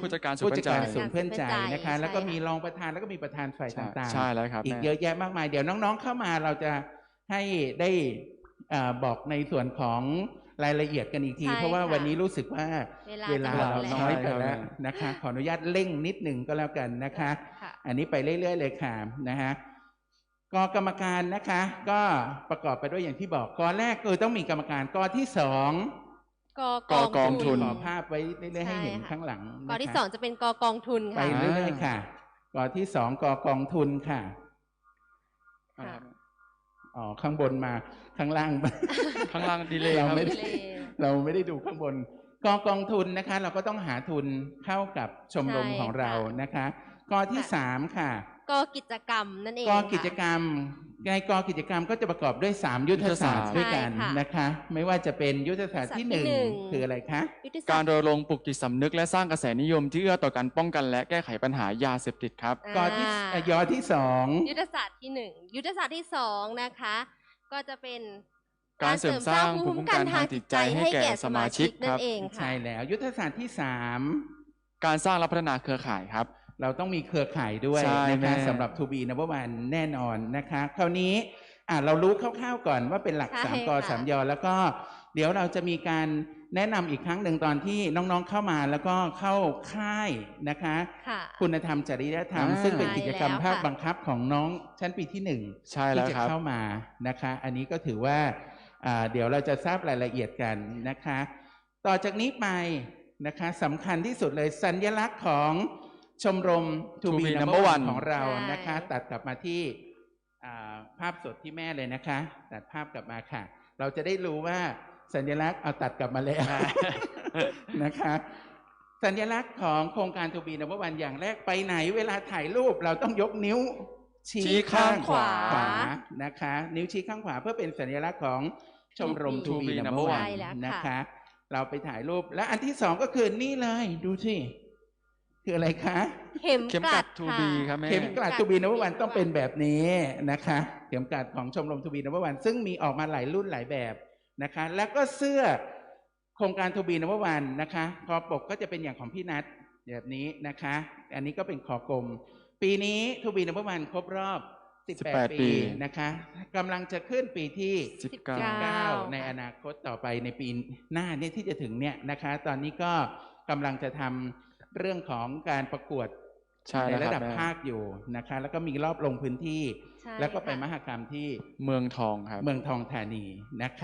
ผู้จัดการศูนผู้ย์จัเพื่ดอนใจการศูนย์เพื่อนใจนะคะใช่แล้วก็ค่ะมีรองประธานแล้วก็มีประธานฝ่ายต่างใช่แล้วครับอีกแม่เยอะแยะมากมายเดี๋ยวน้องๆเข้ามาเราจะให้ได้บอกในส่วนของรายละเอียดกันอีกทีใช่เพราะว่าค่ะวันนี้รู้สึกว่าเวลาเราจะหมดน้อยไปใช่ครับแล้วนะคะ ขออนุญาตเร่งนิดหนึ่งก็แล้วกันนะคะค่ะอันนี้ไปเรื่อยๆเลยค่ะนะฮะกกรรมการนะคะ ก็ประกอบไปด้วยอย่างที่บอกกแรกคือต้องมีกรรมการกที่สองกองทุนขอภาพไว้เรื่อยๆให้เห็นใช่ค่ะข้างหลังกนะคะที่สองจะเป็นกองทุนไปค่ะเรื่อยๆค่ะกที่สองกองทุนค่ะค่ะอ๋อข้างบนมาข้างล่างข้างล่างดีเลยเราครับไม่ได้ เราไม่ได้ดูข้างบนกองทุนนะคะ เราก็ต้องหาทุนเข้ากับชมรมใช่ของเราค่ะนะคะกที่ค่ะสามค่ะกิจกรรมนั่นเองกิจกรรมในกิจกรรมก็จะประกอบด้วย3ยุทธศาสตร์ใช่ด้วยกันค่ะนะคะ ไม่ว่าจะเป็นยุทธศาสตร์ที่ยุทธศาสตร์ที่หนึ่ง 1คืออะไรคะยุทธศการสตรณรงค์ปลุกจิตสำนึกและสร้างกระแสนิยมที่เอื้อต่อการป้องกันและแก้ไขปัญหายาเสพติดครับกที่ยอที่ยุทธศาสตร์ที่หนึ่งยุทธศาสตร์ที่สองนะคะ ก็จะเป็นการเสริมสร้างภูมิคุ้มกันทางจิตใจให้แก่สมาชิกนั่ครันบเอง 2 ค่ะใช่แล้ว ยุทธศาสตร์ที่การสร้างและพัฒนาเครือข่ายครับ 3 เราต้องมีเครือข่ายด้วยใช่นะคะแม่สำหรับ To be number one แน่นอนนะคะ คราวนี้เรารู้คร่าวๆก่อนว่าเป็นหลักใช่ 3 กค่ะ 3 ยอแล้วก็เดี๋ยวเราจะมีการแนะนำอีกครั้งหนึ่งตอนที่น้องๆเข้ามาแล้วก็เข้าค่ายนะคะค่ะคุณธรรมจริยธรรมอ่าซึ่งเป็นกิจกรรมใช่แล้วภาคค่ะบังคับของน้องชั้นปีที่ 1 ใช่แล้วที่จะครับเข้ามานะคะ อันนี้ก็ถือว่าเดี๋ยวเราจะทราบรายละเอียดกันนะคะ ต่อจากนี้ไปนะคะสำคัญที่สุดเลยสัญลักษณ์ของชมรม To be number one ของเรานะคะใช่ตัดกลับมาที่ภาพสดที่แม่เลยนะคะ ตัดภาพกลับมาค่ะ เราจะได้รู้ว่าสัญลักษณ์เอาตัดกลับมาแล้ว นะคะ สัญลักษณ์ของโครงการ To be number one อย่างแรกไปไหนเวลาถ่ายรูปเราต้องยกนิ้วชี้ข้างขวานะคะ นิ้วชี้ข้างขวาเพื่อเป็นสัญลักษณ์ของชมรม To To be be number number one one ใช่แล้วค่ะนะคะ เราไปถ่ายรูปและอันที่สองก็คือนี่เลยดูสิคืออะไรคะเข็มเข็มกกลัลัดด To ค่ะ be ครับแม่เข็มกลัด To be number one ต้องเป็นแบบนี้นะคะ เข็มกลัดของชมรม To be number one ซึ่งมีออกมาหลายรุ่นหลายแบบนะคะ แล้วก็เสื้อโครงการ To be number one นะคะคอปกก็จะเป็นอย่างของพี่นัทแบบนี้นะคะ อันนี้ก็เป็นคอกลม ปีนี้ To be number one ครบรอบ 18 ปีนะคะกำลังจะขึ้นปีที่ 19 ในอนาคตต่อไปในปีหน้าเนี่ยที่จะถึงเนี่ยนะคะ ตอนนี้ก็กำลังจะทำเรื่องของการประกวดใช่ในแล้วระคดัรับบ แม่ภาคอยู่นะคะ แล้วก็มีรอบลงพื้นที่ใช่แล้วก็ไปค่ะมหกรรมที่เมืองทองครับเมืองทองธานีนะคะ